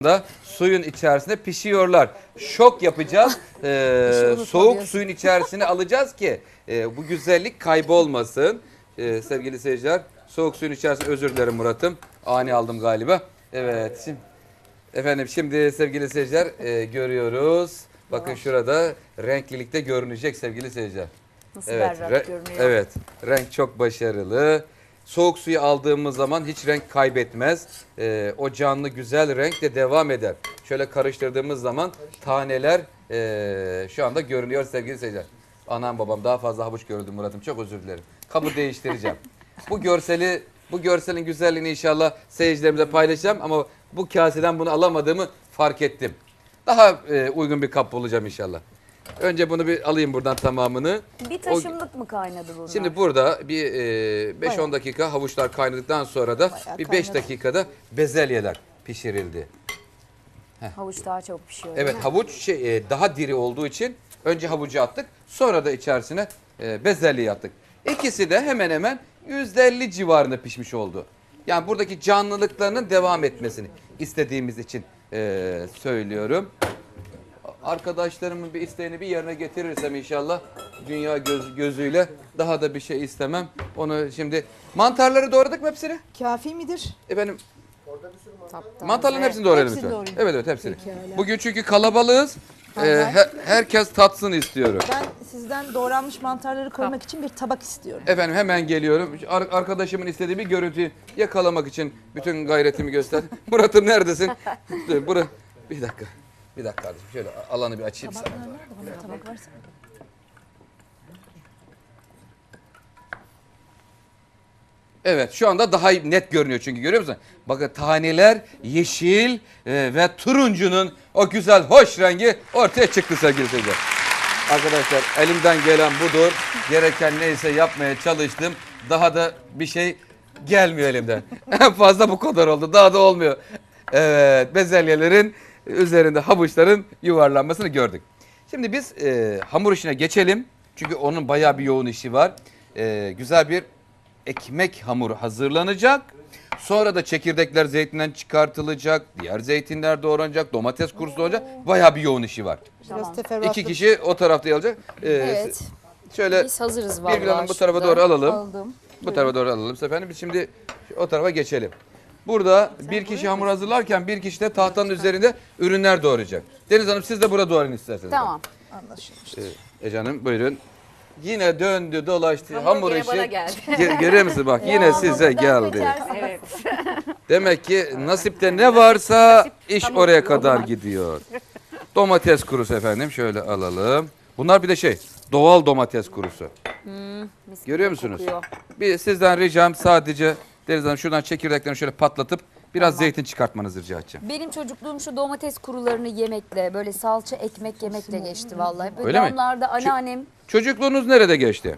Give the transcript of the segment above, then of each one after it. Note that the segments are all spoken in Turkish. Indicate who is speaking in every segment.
Speaker 1: da suyun içerisinde pişiyorlar. Şok yapacağız. Soğuk suyun içerisine alacağız ki bu güzellik kaybolmasın. Sevgili seyirciler, soğuk suyun içerisinde, özür dilerim Murat'ım. Ani aldım galiba. Evet. Şimdi sevgili seyirciler görüyoruz. Bakın şurada renklilikte görünecek sevgili seyirciler.
Speaker 2: Nasıl
Speaker 1: Evet,
Speaker 2: berrak görünüyor.
Speaker 1: evet. Renk çok başarılı. Soğuk suyu aldığımız zaman hiç renk kaybetmez. O canlı güzel renk de devam eder. Şöyle karıştırdığımız zaman taneler şu anda görünüyor sevgili seyirciler. Anam babam daha fazla havuç gördüm Murat'ım. Çok özür dilerim. Kabı değiştireceğim. Bu görselin güzelliğini inşallah seyircilerimize paylaşacağım ama bu kaseden bunu alamadığımı fark ettim. Daha uygun bir kap bulacağım inşallah. Önce bunu bir alayım buradan tamamını.
Speaker 2: Bir taşımlık mı kaynadı bunlar?
Speaker 1: Şimdi burada bir 5-10 dakika havuçlar kaynadıktan sonra da bir 5 dakikada bezelyeler pişirildi.
Speaker 2: Havuç daha çok pişiyor.
Speaker 1: Evet, havuç daha diri olduğu için önce havucu attık, sonra da içerisine bezelyeyi attık. İkisi de hemen hemen %50 civarında pişmiş oldu. Yani buradaki canlılıklarının devam etmesini istediğimiz için söylüyorum. Arkadaşlarımın bir isteğini bir yerine getirirsem inşallah dünya gözüyle daha da bir şey istemem. Onu şimdi mantarları doğradık mı hepsini?
Speaker 3: Kafi midir?
Speaker 1: Efendim
Speaker 2: Taptaze.
Speaker 1: mantarların hepsini doğrayalım
Speaker 3: Hepsini
Speaker 1: lütfen.
Speaker 3: doğrayayım.
Speaker 1: Evet hepsini.
Speaker 3: Pekala.
Speaker 1: Bugün çünkü kalabalığız. Herkes tatsın istiyorum.
Speaker 3: Ben sizden doğranmış mantarları koymak için bir tabak istiyorum.
Speaker 1: Efendim hemen geliyorum. Arkadaşımın istediği bir görüntüyü yakalamak için bütün gayretimi göster. Murat'ım neredesin? Bir dakika. Bir dakika kardeşim. Şöyle alanı bir açayım sana.
Speaker 3: Tabak varsa.
Speaker 1: Evet, şu anda daha net görünüyor çünkü görüyor musun? Bakın taneler yeşil ve turuncunun o güzel hoş rengi ortaya çıktı sevgili seyirciler. Arkadaşlar elimden gelen budur. Gereken neyse yapmaya çalıştım. Daha da bir şey gelmiyor elimden. En fazla bu kadar oldu. Daha da olmuyor. Evet, bezelyelerin üzerinde havuçların yuvarlanmasını gördük. Şimdi biz hamur işine geçelim. Çünkü onun bayağı bir yoğun işi var. Güzel bir ekmek hamuru hazırlanacak. Sonra da çekirdekler zeytinden çıkartılacak. Diğer zeytinler doğranacak. Domates kurusu doğranacak. Bayağı bir yoğun işi var.
Speaker 3: Biraz teferruatlı.
Speaker 1: 2 kişi o tarafta alacak.
Speaker 2: Evet.
Speaker 1: Şöyle
Speaker 2: Biz hazırız vallahi.
Speaker 1: Birgül Hanım bu tarafa
Speaker 2: şurada.
Speaker 1: doğru alalım.
Speaker 2: Aldım.
Speaker 1: Bu tarafa doğru alalım. Efendim biz şimdi o tarafa geçelim. Burada bir kişi hamur hazırlarken bir kişi de tahtanın üzerinde ürünler doğrayacak. Deniz Hanım siz de burada doğrayın isterseniz.
Speaker 2: Tamam.
Speaker 3: Anlaşılmıştır.
Speaker 1: Ece Hanım buyurun. Yine döndü dolaştı
Speaker 2: Hamur
Speaker 1: hamur
Speaker 2: gene
Speaker 1: işi.
Speaker 2: bana geldi.
Speaker 1: Görüyor musun bak yine size geldi.
Speaker 2: Evet.
Speaker 1: Demek ki nasipte ne varsa iş oraya kadar gidiyor. Domates kurusu efendim şöyle alalım. Bunlar bir de doğal domates kurusu.
Speaker 2: Mis
Speaker 1: Görüyor
Speaker 2: gibi
Speaker 1: musunuz?
Speaker 2: kokuyor.
Speaker 1: Bir sizden ricam sadece Deniz Hanım şuradan çekirdeklerini şöyle patlatıp biraz zeytin çıkartmanızı rica edeceğim.
Speaker 2: Benim çocukluğum şu domates kurularını yemekle, böyle salça ekmek yemekle geçti vallahi. Böyle
Speaker 1: Öyle mi?
Speaker 2: damlarda anneannem
Speaker 1: Çocukluğunuz nerede geçti?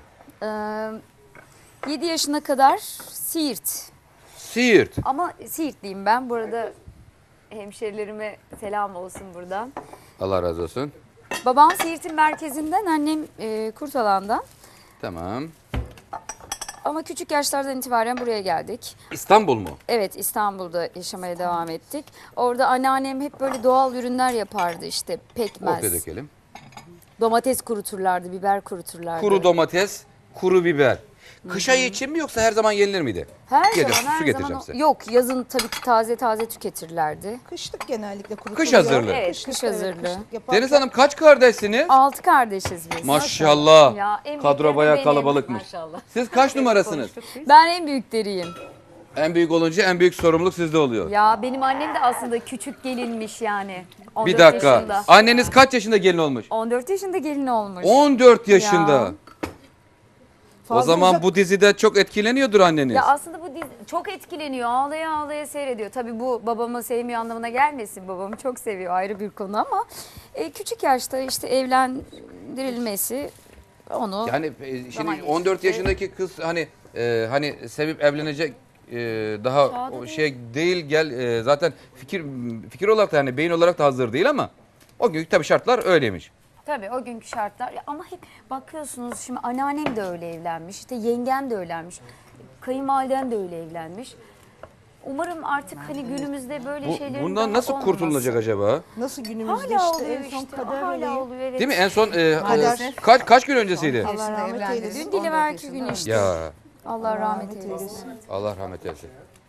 Speaker 2: 7 yaşına kadar Siirt.
Speaker 1: Siirt.
Speaker 2: Ama Siirtliyim ben. Burada hemşerilerime selam olsun buradan.
Speaker 1: Allah razı olsun.
Speaker 2: Babam Siirt'in merkezinden, annem Kurtalan'dan.
Speaker 1: Tamam.
Speaker 2: Ama küçük yaşlardan itibaren buraya geldik.
Speaker 1: İstanbul mu?
Speaker 2: Evet, İstanbul'da yaşamaya devam ettik. Orada anneannem hep böyle doğal ürünler yapardı, işte
Speaker 1: Ortaya
Speaker 2: pekmez,
Speaker 1: dökelim.
Speaker 2: domates kuruturlardı, biber kuruturlardı.
Speaker 1: Kuru domates, kuru biber. Kış ayı için mi yoksa her zaman yenilir miydi?
Speaker 2: Her
Speaker 1: Getir,
Speaker 2: zaman,
Speaker 1: su
Speaker 2: her
Speaker 1: getireceğim
Speaker 2: zaman.
Speaker 1: size.
Speaker 2: Yok, yazın tabii ki taze taze tüketirlerdi.
Speaker 3: Kışlık genellikle kurutuluyor.
Speaker 1: Kış hazırlığı.
Speaker 2: Evet, kış hazırlığı.
Speaker 3: kışlık yaparken-
Speaker 1: Deniz Hanım kaç kardeşsiniz?
Speaker 2: 6 kardeşiz biz.
Speaker 1: Maşallah.
Speaker 2: Ya, en
Speaker 1: Kadro
Speaker 2: büyükleri
Speaker 1: bayağı
Speaker 2: benim.
Speaker 1: kalabalıkmış.
Speaker 2: Maşallah.
Speaker 1: Siz kaç numarasınız?
Speaker 2: Ben en büyükleriyim.
Speaker 1: En büyük olunca en büyük sorumluluk sizde oluyor.
Speaker 2: Ya benim annem de aslında küçük gelinmiş yani. 14
Speaker 1: Bir dakika.
Speaker 2: yaşında.
Speaker 1: Anneniz kaç yaşında gelin olmuş?
Speaker 2: 14 yaşında gelin olmuş.
Speaker 1: 14 yaşında.
Speaker 2: Ya.
Speaker 1: O
Speaker 3: Fazla
Speaker 1: zaman
Speaker 3: uzak-
Speaker 1: bu dizide çok etkileniyordur anneniz.
Speaker 2: Ya aslında bu dizi çok etkileniyor. Ağlaya ağlaya seyrediyor. Tabii bu babamı sevmiyor anlamına gelmesin. Babamı çok seviyor, ayrı bir konu ama küçük yaşta işte evlendirilmesi onu
Speaker 1: Yani
Speaker 2: Zaman
Speaker 1: şimdi 14
Speaker 2: geçti.
Speaker 1: yaşındaki kız hani sevip evlenecek daha
Speaker 2: Çağda
Speaker 1: o
Speaker 2: değil.
Speaker 1: şey değil zaten fikir olarak da beyin olarak da hazır değil ama o gün tabii şartlar öyleymiş.
Speaker 2: tabii o günkü şartlar ama hep bakıyorsunuz şimdi anneannem de öyle evlenmiş. İşte yengem de öyle evlenmiş. Kayınvalidem de öyle evlenmiş. Umarım artık hani günümüzde böyle şeylerin
Speaker 1: Bundan
Speaker 2: daha
Speaker 1: nasıl
Speaker 2: olmaması.
Speaker 1: kurtulunacak acaba?
Speaker 3: Nasıl günümüzde
Speaker 2: Hala
Speaker 3: işte
Speaker 2: oluyor
Speaker 3: en son
Speaker 2: işte.
Speaker 3: kader
Speaker 2: Hala
Speaker 3: olayı.
Speaker 2: oluyor evet.
Speaker 1: Değil mi? En son
Speaker 3: Kader.
Speaker 1: kaç gün öncesiydi?
Speaker 3: Allah rahmet
Speaker 4: evlendi.
Speaker 3: eylesin.
Speaker 2: Dün dileverki gün işte.
Speaker 1: Ya
Speaker 2: Allah rahmet eylesin.
Speaker 1: Allah rahmet eylesin.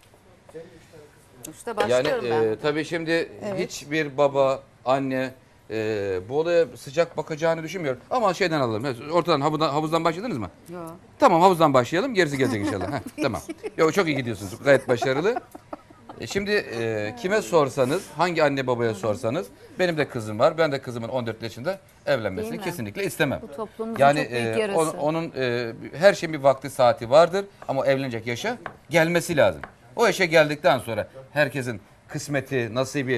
Speaker 4: İşte
Speaker 1: Yani
Speaker 4: başlıyorum ben.
Speaker 1: tabii şimdi hiçbir baba, anne bu olaya sıcak bakacağını düşünmüyorum. Ama şeyden alalım. Ortadan havuzdan başladınız mı?
Speaker 4: Yok.
Speaker 1: Tamam havuzdan başlayalım. Gerisi gelecek inşallah. Heh, tamam. Yok çok iyi gidiyorsunuz. Gayet başarılı. Şimdi kime sorsanız, hangi anne babaya sorsanız, benim de kızım var. Ben de kızımın 14 yaşında evlenmesini
Speaker 2: Değil mi?
Speaker 1: kesinlikle istemem.
Speaker 2: Bu toplumumuzun
Speaker 1: Yani
Speaker 2: çok büyük yarası.
Speaker 1: onun her şeyin bir vakti saati vardır ama evlenecek yaşa gelmesi lazım. O yaşa geldikten sonra herkesin kısmeti, nasibi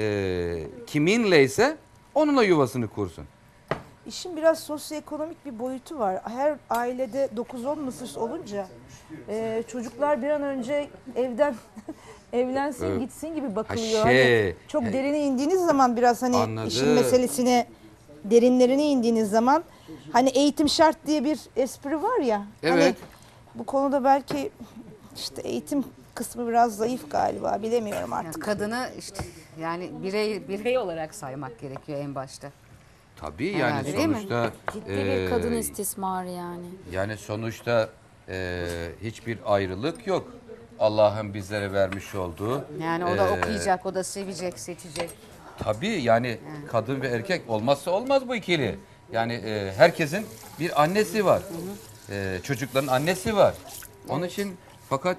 Speaker 1: kiminleyse onunla yuvasını kursun.
Speaker 3: İşin biraz sosyoekonomik bir boyutu var. Her ailede 9-10 nüfus olunca çocuklar bir an önce evden evlensin
Speaker 1: Evet.
Speaker 3: gitsin gibi
Speaker 1: Ha
Speaker 3: bakılıyor.
Speaker 1: şey,
Speaker 3: Hani çok derine indiğiniz zaman biraz hani
Speaker 1: Anladım.
Speaker 3: işin meselesine derinlerine indiğiniz zaman hani eğitim şart diye bir espri var ya. Hani
Speaker 1: Evet.
Speaker 3: bu konuda belki işte eğitim kısmı biraz zayıf galiba bilemiyorum
Speaker 4: Yani
Speaker 3: artık.
Speaker 4: kadını işte yani birey olarak saymak gerekiyor en başta.
Speaker 1: tabii yani
Speaker 4: Herhalde, değil mi?
Speaker 1: sonuçta
Speaker 2: Ciddi bir kadın istismarı yani.
Speaker 1: yani sonuçta hiçbir ayrılık yok. Allah'ın bizlere vermiş olduğu.
Speaker 4: Yani o da okuyacak, o da sevecek, seçecek.
Speaker 1: Tabii yani kadın ve erkek olmazsa olmaz bu ikili. Yani herkesin bir annesi var. Çocukların annesi var. Onun için fakat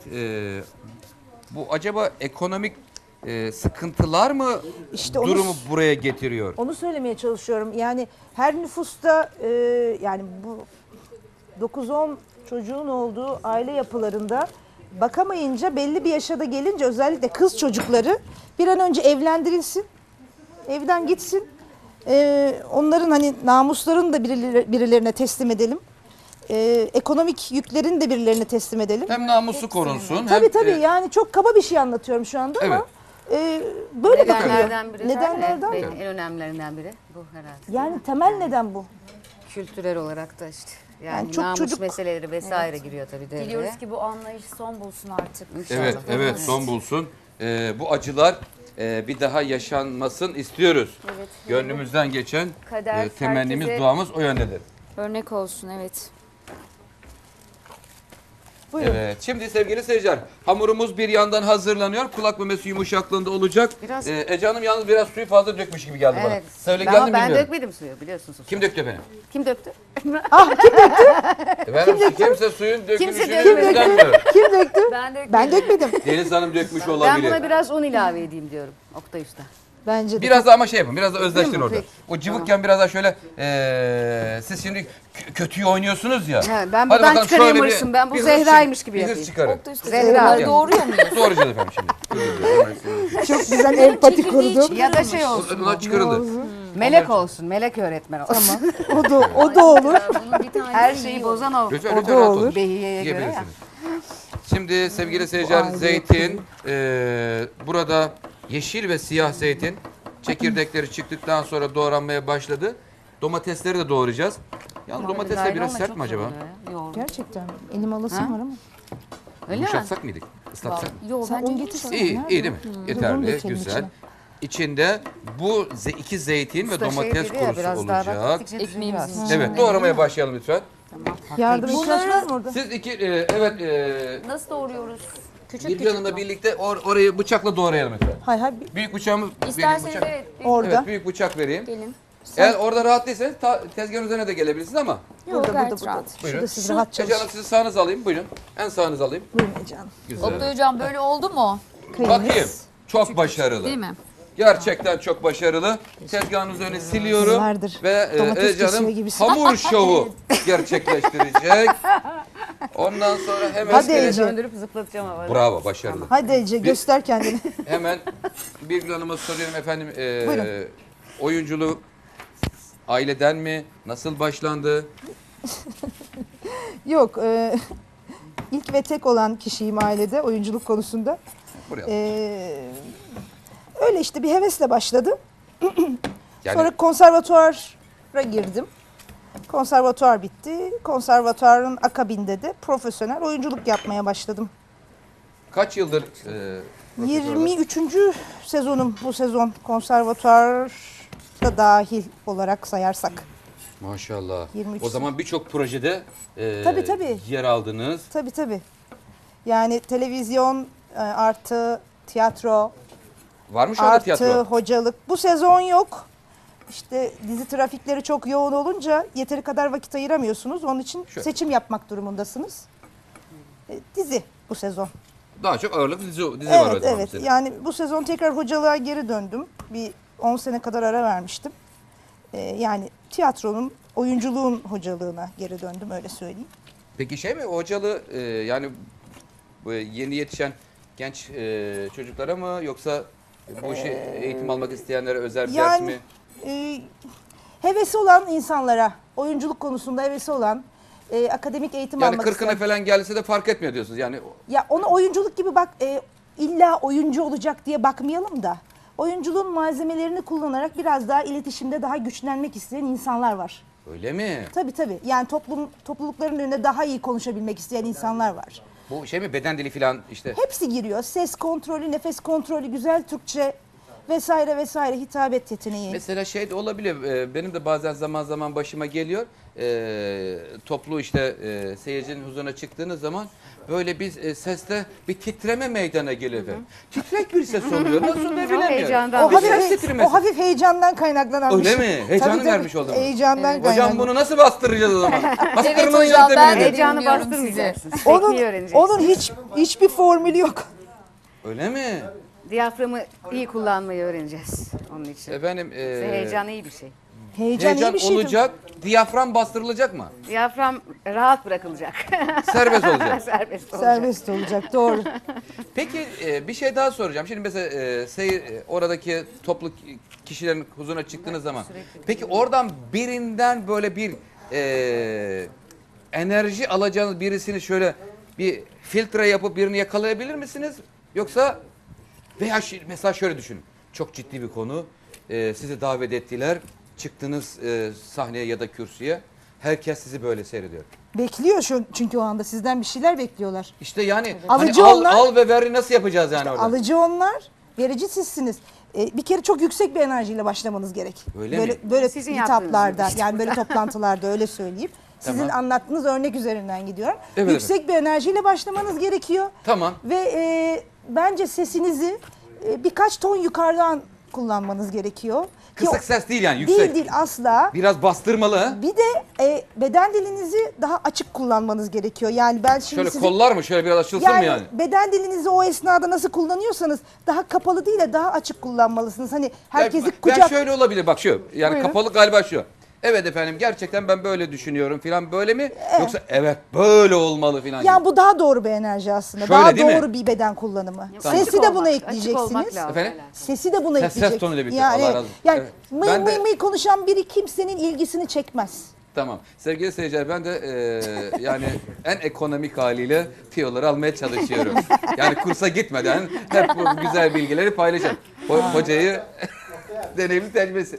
Speaker 1: bu acaba ekonomik sıkıntılar mı
Speaker 3: İşte onu-
Speaker 1: durumu buraya getiriyor?
Speaker 3: Onu söylemeye çalışıyorum. Yani her nüfusta yani bu 9-10 çocuğun olduğu aile yapılarında bakamayınca belli bir yaşa da gelince özellikle kız çocukları bir an önce evlendirilsin. Evden gitsin. Onların hani namuslarını da birilerine teslim edelim. Ekonomik yüklerini de birilerine teslim edelim.
Speaker 1: Hem namusu korunsun.
Speaker 3: Tabii
Speaker 1: hem,
Speaker 3: tabii yani çok kaba bir şey anlatıyorum şu anda ama böyle bakılıyor.
Speaker 4: Nedenlerden biri.
Speaker 3: Nedenlerden.
Speaker 4: Evet, en önemlilerinden biri bu herhalde.
Speaker 3: Yani temel neden bu?
Speaker 4: Kültürel olarak da işte. Yani,
Speaker 3: Yani çok
Speaker 4: namus
Speaker 3: çocuk-
Speaker 4: meseleleri vesaire giriyor tabii devreye.
Speaker 2: Diliyoruz ki bu anlayış son bulsun artık.
Speaker 4: İnşallah.
Speaker 1: Evet, evet son bulsun. Bu acılar bir daha yaşanmasın istiyoruz.
Speaker 2: Evet.
Speaker 1: Gönlümüzden geçen
Speaker 2: Kader
Speaker 1: temennimiz,
Speaker 2: herkese-
Speaker 1: duamız o yöndedir.
Speaker 2: Örnek olsun evet.
Speaker 3: Buyurun.
Speaker 1: Evet. Şimdi sevgili seyirciler, hamurumuz bir yandan hazırlanıyor. Kulak memesi yumuşaklığında olacak.
Speaker 4: Biraz-
Speaker 1: Ece Hanım yalnız biraz suyu fazla dökmüş gibi geldi bana.
Speaker 4: Evet.
Speaker 1: Söyle
Speaker 4: Ama
Speaker 1: geldi mi
Speaker 4: ben
Speaker 1: bilmiyorum.
Speaker 4: dökmedim suyu biliyorsunuz.
Speaker 1: Kim döktü efendim?
Speaker 4: Kim döktü?
Speaker 1: Efendim kimse suyun dökülüşünü
Speaker 4: dökmedi.
Speaker 1: bilmiyorum.
Speaker 3: Kim döktü?
Speaker 2: Ben dökmedim.
Speaker 1: Deniz Hanım dökmüş
Speaker 4: Ben
Speaker 1: olabilir.
Speaker 4: buna biraz un ilave edeyim diyorum Oktay Usta.
Speaker 3: Bence de.
Speaker 1: Biraz da ama şey yapın, biraz da özleştirin
Speaker 4: Değil mi?
Speaker 1: orada.
Speaker 4: Peki.
Speaker 1: O cıvıkken biraz daha şöyle, siz şimdi kötüyü oynuyorsunuz ya.
Speaker 4: Ha, ben
Speaker 1: Hadi
Speaker 4: buradan
Speaker 1: bakalım
Speaker 4: çıkarayım
Speaker 1: şöyle
Speaker 4: hırsım. Ben bu
Speaker 1: bir hırs
Speaker 4: Zehra'ymış gibi
Speaker 1: bir hırs
Speaker 4: yapayım.
Speaker 1: çıkarın.
Speaker 2: Oktay Usta
Speaker 4: Zehra.
Speaker 2: onları doğuruyor muyuz?
Speaker 1: Doğrayacağız efendim şimdi.
Speaker 3: Çok güzel empati kurdu.
Speaker 4: Ya da şey olsun.
Speaker 1: Bunlar çıkarıldı.
Speaker 4: Melek olsun. Melek öğretmen olsun.
Speaker 3: O da olur.
Speaker 2: Bunun bir tane
Speaker 4: Her şeyi bozan o.
Speaker 1: Lütfen
Speaker 3: O
Speaker 1: lütfen
Speaker 3: da
Speaker 1: rahat
Speaker 3: olur.
Speaker 1: olun.
Speaker 4: Behiyeye göre ya.
Speaker 1: Yiyebilirsiniz. Şimdi sevgili seyirciler
Speaker 3: aile
Speaker 1: zeytin, burada yeşil ve siyah zeytin çekirdekleri çıktıktan sonra doğranmaya başladı. Domatesleri de doğrayacağız. Yalnız domatesler biraz sert mi acaba?
Speaker 3: Gerçekten. Elim alasım var ama.
Speaker 4: Öyle mi?
Speaker 1: Yumuşatsak mıydık? Islatsak mı?
Speaker 2: Yok
Speaker 3: Sen
Speaker 2: bence
Speaker 3: un
Speaker 2: yumuşak.
Speaker 3: getirsene.
Speaker 1: İyi,
Speaker 3: Nerede?
Speaker 1: iyi değil mi?
Speaker 3: Dur, onu
Speaker 1: Yeterli,
Speaker 3: dökelim
Speaker 1: güzel.
Speaker 3: içine.
Speaker 1: İçinde bu iki zeytin ve
Speaker 4: Usta şey
Speaker 1: domates
Speaker 4: dedi ya,
Speaker 1: kurusu
Speaker 4: biraz daha bak,
Speaker 1: olacak.
Speaker 4: gittikçe
Speaker 2: Ekmeğimizin
Speaker 4: düzülüyor
Speaker 2: içine.
Speaker 1: Evet, doğramaya başlayalım lütfen.
Speaker 3: Yardım ihtiyaç
Speaker 2: Bunları-
Speaker 3: var mı orada?
Speaker 1: Siz iki, evet,
Speaker 2: Nasıl doğruyoruz? Küçük
Speaker 1: bir
Speaker 2: küçük
Speaker 1: yanında
Speaker 2: mü?
Speaker 1: birlikte orayı bıçakla doğrayalım lütfen.
Speaker 3: Hay hay
Speaker 1: Büyük bıçağımız,
Speaker 2: İsterseniz
Speaker 1: bıçak.
Speaker 2: evet.
Speaker 3: orada.
Speaker 1: Evet, büyük bıçak vereyim.
Speaker 2: Gelin.
Speaker 1: Eğer orada rahat değilseniz tezgahın üzerine de gelebilirsiniz ama.
Speaker 2: Yok
Speaker 3: Burada,
Speaker 2: gayet
Speaker 3: burada.
Speaker 2: rahat.
Speaker 1: Buyurun.
Speaker 3: Şurada siz rahat
Speaker 1: Ece Hanım
Speaker 3: çalışın.
Speaker 1: sizi sağınıza alayım, buyurun. En sağınıza alayım.
Speaker 3: Buyurun Ece Hanım.
Speaker 1: Güzel.
Speaker 2: Oktay Hocam böyle oldu mu?
Speaker 1: Bakayım. Çok başarılı.
Speaker 2: Değil mi?
Speaker 1: Gerçekten çok başarılı. Tezgahın üzerine siliyorum
Speaker 3: Yıllardır
Speaker 1: ve
Speaker 3: domates
Speaker 1: Ece Hanım
Speaker 3: kesiyor gibisin.
Speaker 1: hamur şovu gerçekleştirecek. Ondan sonra hemen
Speaker 3: Hadi Ece.
Speaker 4: Döndürüp zıplatacağım havada.
Speaker 1: Bravo, başarılı.
Speaker 3: Hadi Ece göster kendini.
Speaker 1: Hemen Birgül Hanım'a soruyorum efendim.
Speaker 3: Buyurun.
Speaker 1: Oyunculuğu aileden mi? Nasıl başlandı?
Speaker 3: Yok ilk ve tek olan kişiyim ailede oyunculuk konusunda.
Speaker 1: Buraya.
Speaker 3: Öyle işte bir hevesle başladı.
Speaker 1: Yani
Speaker 3: Sonra konservatuvara girdim. Konservatuvar bitti. Konservatuvarın akabinde de profesyonel oyunculuk yapmaya başladım.
Speaker 1: Kaç yıldır profesör olarak?
Speaker 3: 23. sezonum bu sezon, konservatuarda dahil olarak sayarsak.
Speaker 1: Maşallah.
Speaker 3: 23
Speaker 1: O zaman birçok projede
Speaker 3: Tabii.
Speaker 1: yer aldınız.
Speaker 3: Tabii. Yani televizyon artı tiyatro
Speaker 1: Var mı şu anda
Speaker 3: artı
Speaker 1: tiyatro?
Speaker 3: hocalık. Bu sezon yok. İşte dizi trafikleri çok yoğun olunca yeteri kadar vakit ayıramıyorsunuz. Onun için
Speaker 1: Şöyle.
Speaker 3: seçim yapmak durumundasınız. Dizi bu sezon.
Speaker 1: Daha çok ağırlık dizi var o
Speaker 3: Evet,
Speaker 1: zaman
Speaker 3: evet.
Speaker 1: senin.
Speaker 3: Yani bu sezon tekrar hocalığa geri döndüm. Bir 10 sene kadar ara vermiştim. Yani tiyatronun, oyunculuğun hocalığına geri döndüm, öyle söyleyeyim.
Speaker 1: Peki şey mi hocalığı yani bu yeni yetişen genç çocuklara mı yoksa bu işi eğitim almak isteyenlere özel bir ders mi?
Speaker 3: Hevesi olan insanlara, oyunculuk konusunda hevesi olan, akademik eğitim
Speaker 1: Yani
Speaker 3: almak
Speaker 1: 40'ına
Speaker 3: isteyen.
Speaker 1: falan gelse de fark etmiyor diyorsunuz. Yani
Speaker 3: Ya ona oyunculuk gibi bak, illa oyuncu olacak diye bakmayalım da. Oyunculuğun malzemelerini kullanarak biraz daha iletişimde daha güçlenmek isteyen insanlar var.
Speaker 1: öyle mi?
Speaker 3: Tabii. Yani toplulukların önünde daha iyi konuşabilmek isteyen insanlar var.
Speaker 1: Bu şey mi beden dili falan işte.
Speaker 3: Hepsi giriyor. Ses kontrolü, nefes kontrolü, güzel Türkçe vesaire hitabet yeteneği.
Speaker 1: Mesela şey de olabilir. Benim de bazen zaman zaman başıma geliyor. Toplu işte seyircinin huzuruna çıktığınız zaman böyle bir seste bir titreme meydana geliyor efendim. Titrek bir ses oluyor. Nasıl ne bilemiyorum.
Speaker 4: heyecandan.
Speaker 3: O
Speaker 1: Bir ses
Speaker 3: hafif,
Speaker 1: titremesi.
Speaker 3: o hafif heyecandan kaynaklanan bir
Speaker 1: Öyle
Speaker 3: şey.
Speaker 1: mi? Heyecanı
Speaker 3: Tabii,
Speaker 1: vermiş oldu mu?
Speaker 3: Heyecandan
Speaker 1: Hocam
Speaker 3: kaynaklanan.
Speaker 1: bunu nasıl bastıracağız o zaman?
Speaker 2: Evet
Speaker 1: Bastırmanın
Speaker 2: hocam, ben
Speaker 1: yöntemini
Speaker 2: de
Speaker 1: nedir?
Speaker 4: Heyecanı
Speaker 2: dinliyorum
Speaker 4: bastırmayacaksın.
Speaker 3: Onun,
Speaker 4: Tekniği öğreneceksin.
Speaker 3: onun hiçbir formülü yok.
Speaker 1: Öyle mi?
Speaker 4: Diyaframı iyi kullanmayı öğreneceğiz onun için.
Speaker 1: Efendim
Speaker 4: Heyecan iyi bir şey.
Speaker 3: Heyecan iyi
Speaker 1: heyecan
Speaker 3: bir şey.
Speaker 1: olacak, diyafram bastırılacak mı?
Speaker 4: Diyafram rahat bırakılacak.
Speaker 1: Serbest olacak.
Speaker 4: Serbest olacak.
Speaker 3: Serbest olacak, doğru.
Speaker 1: Peki bir şey daha soracağım. Şimdi mesela oradaki toplu kişilerin huzuruna çıktığınız zaman. Peki oradan birinden böyle bir enerji alacağınız birisini şöyle bir filtre yapıp birini yakalayabilir misiniz? Yoksa veya mesela şöyle düşünün. Çok ciddi bir konu. Sizi davet ettiler. Çıktınız sahneye ya da kürsüye. Herkes sizi böyle seyrediyor.
Speaker 3: Bekliyor çünkü o anda sizden bir şeyler bekliyorlar.
Speaker 1: İşte yani
Speaker 3: Alıcı
Speaker 1: hani
Speaker 3: onlar.
Speaker 1: al ve ver nasıl yapacağız yani orada?
Speaker 3: Alıcı onlar, verici sizsiniz. Bir kere çok yüksek bir enerjiyle başlamanız gerek.
Speaker 1: Öyle
Speaker 3: böyle,
Speaker 1: mi?
Speaker 3: Böyle
Speaker 4: Sizin
Speaker 3: hitaplarda,
Speaker 4: yaptığınız gibi.
Speaker 3: yani böyle toplantılarda öyle söyleyeyim. Sizin
Speaker 1: Tamam.
Speaker 3: anlattığınız örnek üzerinden gidiyorum.
Speaker 1: Evet,
Speaker 3: Yüksek bir enerjiyle başlamanız gerekiyor.
Speaker 1: Tamam.
Speaker 3: Ve bence sesinizi birkaç ton yukarıdan kullanmanız gerekiyor. Ki
Speaker 1: Kısık ses değil yani yüksek.
Speaker 3: Değil asla.
Speaker 1: Biraz bastırmalı. Ha?
Speaker 3: Bir de beden dilinizi daha açık kullanmanız gerekiyor. Yani ben şimdi
Speaker 1: Şöyle
Speaker 3: sizin...
Speaker 1: kollar mı şöyle biraz açılsın mı yani?
Speaker 3: beden dilinizi o esnada nasıl kullanıyorsanız daha kapalı değil de daha açık kullanmalısınız. Hani herkesi
Speaker 1: ben
Speaker 3: kucak...
Speaker 1: şöyle olabilir bak şu. Yani
Speaker 3: Buyurun.
Speaker 1: kapalı galiba şu. Evet efendim gerçekten ben böyle düşünüyorum filan böyle mi? Yoksa evet böyle olmalı filan.
Speaker 3: Yani
Speaker 1: gibi.
Speaker 3: bu daha doğru bir enerji aslında.
Speaker 1: Şöyle
Speaker 3: daha
Speaker 1: değil mi?
Speaker 3: doğru bir beden kullanımı.
Speaker 1: Tamam.
Speaker 3: Sesi de buna
Speaker 4: Açık olmak
Speaker 3: ekleyeceksiniz.
Speaker 4: lazım.
Speaker 1: Efendim?
Speaker 3: Sesi de buna
Speaker 1: Ses
Speaker 3: ekleyeceksiniz.
Speaker 1: tonuyla birlikte.
Speaker 3: Yani,
Speaker 1: Allah razı olsun.
Speaker 3: yani
Speaker 1: Evet.
Speaker 3: mıy
Speaker 1: Ben
Speaker 3: mıy
Speaker 1: de-
Speaker 3: mıy konuşan biri kimsenin ilgisini çekmez.
Speaker 1: Tamam. Sevgili seyirciler ben de yani en ekonomik haliyle tiyoları almaya çalışıyorum. Yani kursa gitmeden hep bu güzel bilgileri paylaşalım. Hocayı deneyimli tecrübesi.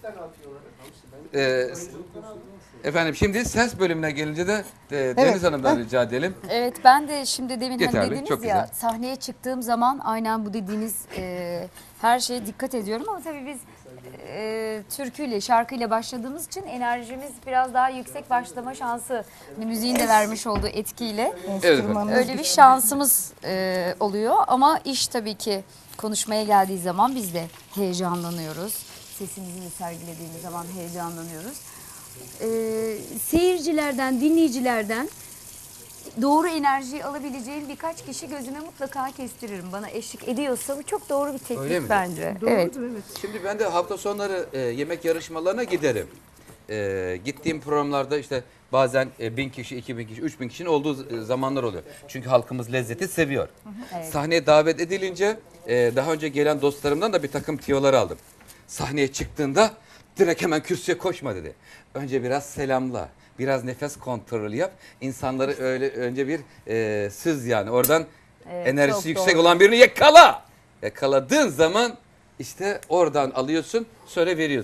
Speaker 1: Efendim şimdi ses bölümüne gelince de Deniz Hanım'dan rica edelim.
Speaker 2: Evet ben de şimdi demin
Speaker 1: Yeterli,
Speaker 2: hani dediniz
Speaker 1: çok
Speaker 2: ya
Speaker 1: güzel.
Speaker 2: sahneye çıktığım zaman aynen bu dediğiniz her şeye dikkat ediyorum ama tabii biz türküyle şarkıyla başladığımız için enerjimiz biraz daha yüksek başlama şansı hani müziğin de vermiş olduğu etkiyle
Speaker 3: Enstrümanınız
Speaker 2: öyle bir şansımız oluyor ama iş tabii ki konuşmaya geldiği zaman biz de heyecanlanıyoruz. Sesimizi de sergilediğimiz zaman heyecanlanıyoruz. Seyircilerden, dinleyicilerden doğru enerjiyi alabileceğim birkaç kişi gözüme mutlaka kestiririm. Bana eşlik ediyorsa bu çok doğru bir teknik
Speaker 1: Öyle mi?
Speaker 2: bence. Evet.
Speaker 1: Şimdi ben de hafta sonları yemek yarışmalarına giderim. Gittiğim programlarda işte bazen 1000 kişi, 2000 kişi, 3000 kişinin olduğu zamanlar oluyor. Çünkü halkımız lezzeti seviyor.
Speaker 2: Evet.
Speaker 1: Sahneye davet edilince daha önce gelen dostlarımdan da bir takım tiyolar aldım. Sahneye çıktığında direkt hemen kürsüye koşma dedi. Önce biraz selamla, biraz nefes kontrolü yap. İnsanları öyle önce bir süz yani oradan
Speaker 2: Evet,
Speaker 1: enerjisi
Speaker 2: çok
Speaker 1: yüksek
Speaker 2: doğru.
Speaker 1: olan birini yakala. Yakaladığın zaman işte oradan alıyorsun, sonra veriyorsun.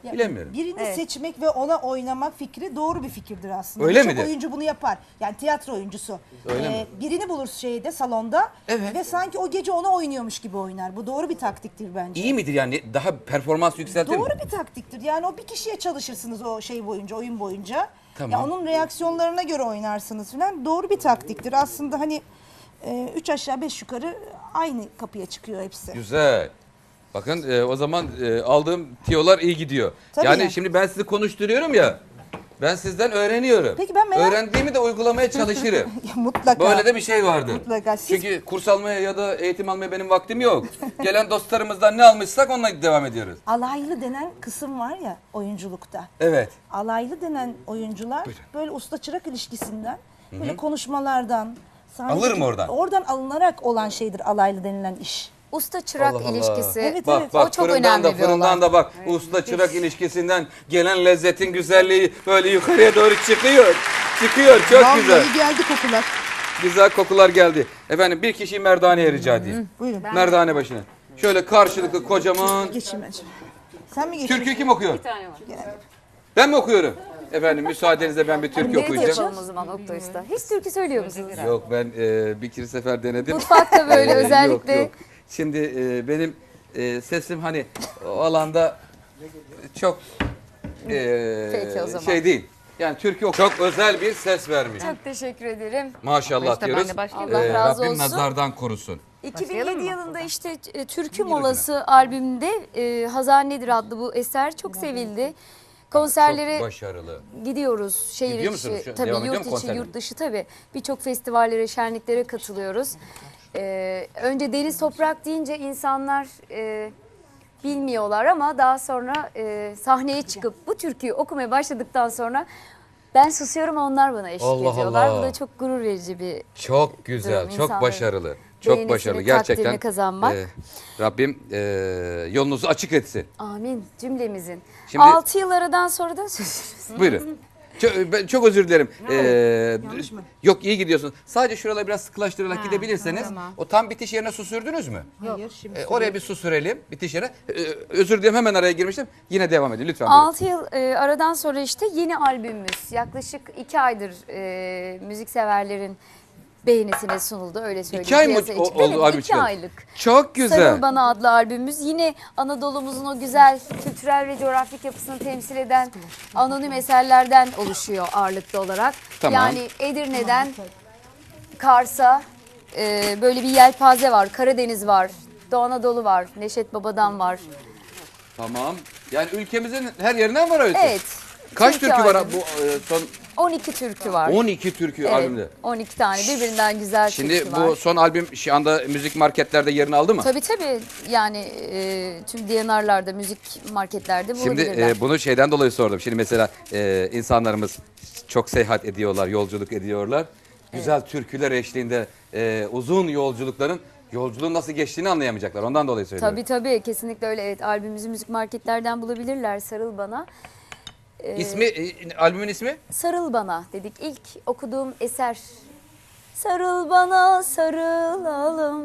Speaker 3: Ya,
Speaker 1: Bilemiyorum.
Speaker 3: Birini
Speaker 2: Evet.
Speaker 3: seçmek ve ona oynamak fikri doğru bir fikirdir aslında.
Speaker 1: Öyle
Speaker 3: Birçok
Speaker 1: midir?
Speaker 3: oyuncu bunu yapar. Yani tiyatro oyuncusu.
Speaker 1: Öyle mi?
Speaker 3: Birini bulur şeyde, salonda
Speaker 1: Evet.
Speaker 3: ve sanki o gece ona oynuyormuş gibi oynar. Bu doğru bir taktiktir bence.
Speaker 1: İyi midir yani? Daha performans yükseltir mi?
Speaker 3: Doğru bir taktiktir. Yani o bir kişiye çalışırsınız o şey boyunca, oyun boyunca.
Speaker 1: Tamam.
Speaker 3: Ya onun reaksiyonlarına göre oynarsınız falan. Doğru bir taktiktir. Aslında hani 3 aşağı 5 yukarı aynı kapıya çıkıyor hepsi.
Speaker 1: Güzel. Bakın o zaman aldığım tiyolar iyi gidiyor.
Speaker 3: Tabii
Speaker 1: yani
Speaker 3: ya.
Speaker 1: şimdi ben sizi konuşturuyorum ya. Ben sizden öğreniyorum.
Speaker 3: Peki ben merak-
Speaker 1: Öğrendiğimi de uygulamaya çalışırım.
Speaker 3: Mutlaka.
Speaker 1: Böyle de bir şey vardır.
Speaker 3: Mutlaka. Siz-
Speaker 1: Çünkü kurs almaya ya da eğitim almaya benim vaktim yok. Gelen dostlarımızdan ne almışsak onunla devam ediyoruz.
Speaker 3: Alaylı denen kısım var ya oyunculukta.
Speaker 1: Evet.
Speaker 3: Alaylı denen oyuncular
Speaker 1: Buyurun.
Speaker 3: böyle usta çırak ilişkisinden, böyle konuşmalardan, sahnedeki-
Speaker 1: Alırım oradan.
Speaker 3: Oradan alınarak olan şeydir alaylı denilen iş.
Speaker 2: Usta çırak
Speaker 1: Allah Allah.
Speaker 2: ilişkisi.
Speaker 3: Evet,
Speaker 1: Bak
Speaker 3: evet.
Speaker 1: bak
Speaker 2: O çok
Speaker 1: fırından
Speaker 2: önemli
Speaker 1: da
Speaker 2: bir
Speaker 1: fırından
Speaker 2: olay.
Speaker 1: da bak usta çırak ilişkisinden gelen lezzetin güzelliği böyle yukarıya doğru çıkıyor. Çıkıyor çok güzel.
Speaker 3: geldi kokular.
Speaker 1: Güzel kokular geldi. Efendim bir kişiyi merdaneye rica edeyim.
Speaker 3: Buyurun.
Speaker 1: Merdane başına. Şöyle karşılıklı kocaman.
Speaker 3: Geçin bence. Sen mi geçiyorsun?
Speaker 1: Türkü kim okuyor? Ben mi okuyorum? Efendim müsaadenizle ben bir türkü
Speaker 2: Duet
Speaker 1: okuyacağım.
Speaker 2: yapalım o zaman Oktay Usta. Hiç türkü söylüyor musunuz?
Speaker 1: Yok ben bir iki sefer denedim.
Speaker 2: Mutfakta böyle özellikle.
Speaker 1: Yok. Şimdi benim sesim hani o alanda çok
Speaker 2: Peki o zaman.
Speaker 1: şey değil. Yani türkü çok özel bir ses vermiş.
Speaker 2: Çok teşekkür ederim.
Speaker 1: Maşallah
Speaker 4: İşte ben
Speaker 1: diyoruz.
Speaker 4: de başlayayım.
Speaker 2: Allah razı
Speaker 1: Rabbim
Speaker 2: olsun.
Speaker 1: nazardan korusun.
Speaker 2: 2007 yılında işte Türkü Molası albümünde Hazan Nedir adlı bu eser çok sevildi. Konserlere
Speaker 1: Çok başarılı.
Speaker 2: gidiyoruz. Şehir
Speaker 1: Gidiyor
Speaker 2: içi,
Speaker 1: musunuz?
Speaker 2: tabii
Speaker 1: Devam ediyor
Speaker 2: yurt
Speaker 1: mu
Speaker 2: içi,
Speaker 1: konserlere?
Speaker 2: yurt dışı tabii. Birçok festivallere, şenliklere katılıyoruz. Önce Deniz Toprak deyince insanlar bilmiyorlar ama daha sonra sahneye çıkıp bu türküyü okumaya başladıktan sonra ben susuyorum, onlar bana eşlik
Speaker 1: Allah
Speaker 2: ediyorlar.
Speaker 1: Allah.
Speaker 2: Bu da çok gurur verici bir
Speaker 1: Çok güzel,
Speaker 2: Durum,
Speaker 1: çok
Speaker 2: insanların
Speaker 1: başarılı. Çok
Speaker 2: beğenisini,
Speaker 1: başarılı gerçekten.
Speaker 2: takdirini kazanmak.
Speaker 1: Rabbim yolunuzu açık etsin.
Speaker 2: amin cümlemizin.
Speaker 1: Şimdi-
Speaker 2: 6 yıl aradan sonra da sözünüz.
Speaker 1: Buyurun. Ben çok özür dilerim. Yok iyi gidiyorsun. Sadece şuraları biraz sıkılaştırarak gidebilirseniz. O tam bitiş yerine su sürdünüz mü?
Speaker 3: Hayır şimdi.
Speaker 1: Oraya bir su sürelim bitiş yerine. Özür dilerim hemen araya girmiştim. Yine devam edin lütfen. buyurun.
Speaker 2: 6 yıl aradan sonra işte yeni albümümüz yaklaşık 2 aydır müzikseverlerin beğenisine sunuldu, öyle söyleyeyim.
Speaker 1: 2 ay mı
Speaker 2: Piyasa için.
Speaker 1: oldu
Speaker 2: Evet,
Speaker 1: albüm
Speaker 2: 2
Speaker 1: çıkalı?
Speaker 2: aylık.
Speaker 1: Çok güzel.
Speaker 2: Sarıl Bana adlı albümümüz yine Anadolu'muzun o güzel kültürel ve coğrafik yapısını temsil eden anonim eserlerden oluşuyor ağırlıklı olarak.
Speaker 1: Tamam.
Speaker 2: Yani Edirne'den Kars'a böyle bir yelpaze var, Karadeniz var, Doğu Anadolu var, Neşet Baba'dan var.
Speaker 1: Tamam. Yani ülkemizin her yerinden var öyle.
Speaker 2: Evet.
Speaker 1: Kaç türkü var
Speaker 2: albümü.
Speaker 1: bu son
Speaker 2: 12 türkü var.
Speaker 1: 12 türkü
Speaker 2: Evet,
Speaker 1: albümde? 12
Speaker 2: tane birbirinden güzel
Speaker 1: Şimdi
Speaker 2: türkü
Speaker 1: bu
Speaker 2: var.
Speaker 1: son albüm şu anda müzik marketlerde yerini aldı mı?
Speaker 2: Tabii yani tüm D&R'larda, müzik marketlerde
Speaker 1: Şimdi
Speaker 2: bulabilirler.
Speaker 1: bunu şeyden dolayı sordum. Şimdi mesela insanlarımız çok seyahat ediyorlar, yolculuk ediyorlar. Güzel türküler eşliğinde uzun yolculuğun nasıl geçtiğini anlayamayacaklar. Ondan dolayı söylüyorum.
Speaker 2: Tabii kesinlikle öyle. Evet, albümümüzü müzik marketlerden bulabilirler. Sarıl Bana.
Speaker 1: Albümün ismi?
Speaker 2: Sarıl Bana dedik. İlk okuduğum eser. Sarıl bana sarılalım,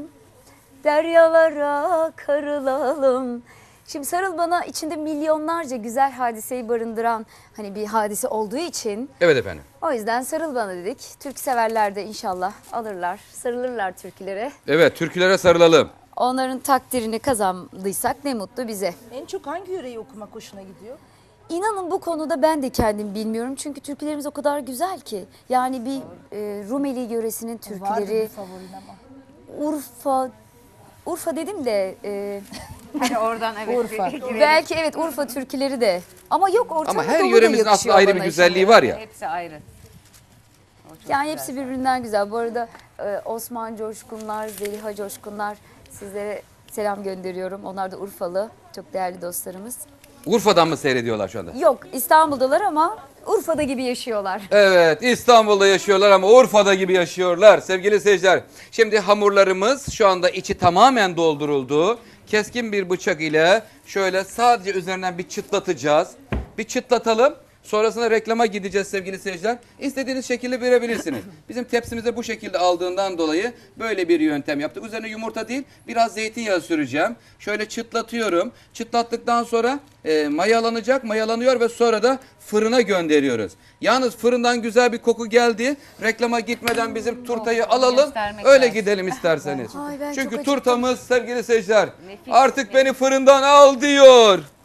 Speaker 2: deryalara karılalım. Şimdi Sarıl Bana içinde milyonlarca güzel hadiseyi barındıran hani bir hadise olduğu için
Speaker 1: Evet efendim.
Speaker 2: o yüzden Sarıl Bana dedik. Türk severler de inşallah alırlar, sarılırlar türkülere.
Speaker 1: Evet, türkülere sarılalım.
Speaker 2: Onların takdirini kazandıysak ne mutlu bize.
Speaker 3: En çok hangi yöreyi okumak hoşuna gidiyor?
Speaker 2: İnanın bu konuda ben de kendim bilmiyorum. Çünkü türkülerimiz o kadar güzel ki. Yani bir Rumeli yöresinin
Speaker 3: Vardır
Speaker 2: türküleri,
Speaker 3: bir favorin ama.
Speaker 2: Urfa dedim de
Speaker 4: Hani oradan evet.
Speaker 3: Urfa.
Speaker 2: belki evet Urfa türküleri de. Ama yok Orta
Speaker 1: Ama her
Speaker 2: Anadolu da
Speaker 1: yöremizin aslında
Speaker 2: yakışıyor
Speaker 1: ayrı bir
Speaker 2: bana
Speaker 1: güzelliği
Speaker 2: şimdi.
Speaker 1: var ya.
Speaker 4: Hepsi ayrı. O çok
Speaker 2: Yani
Speaker 4: güzel.
Speaker 2: hepsi birbirinden güzel. Bu arada Osman Coşkunlar, Zeliha Coşkunlar sizlere selam gönderiyorum. Onlar da Urfalı, çok değerli dostlarımız.
Speaker 1: Urfa'dan mı seyrediyorlar şu anda?
Speaker 2: Yok İstanbul'dalar ama Urfa'da gibi yaşıyorlar.
Speaker 1: Evet, İstanbul'da yaşıyorlar ama Urfa'da gibi yaşıyorlar sevgili seyirciler. Şimdi hamurlarımız şu anda içi tamamen dolduruldu. Keskin bir bıçak ile şöyle sadece üzerinden bir çıtlatacağız. Bir çıtlatalım. Sonrasında reklama gideceğiz sevgili seyirciler. İstediğiniz şekilde verebilirsiniz. Bizim tepsimize bu şekilde aldığından dolayı böyle bir yöntem yaptık. Üzerine yumurta değil, biraz zeytinyağı süreceğim. Şöyle çıtlatıyorum. Çıtlattıktan sonra mayalanacak, mayalanıyor ve sonra da fırına gönderiyoruz. Yalnız fırından güzel bir koku geldi. Reklama gitmeden bizim turtayı alalım.
Speaker 4: göstermek
Speaker 1: Öyle
Speaker 4: lazım.
Speaker 1: gidelim isterseniz.
Speaker 2: Ay, ben çok
Speaker 1: Çünkü
Speaker 2: acıktım.
Speaker 1: turtamız sevgili seyirciler
Speaker 4: Nefis,
Speaker 1: artık beni fırından al diyor.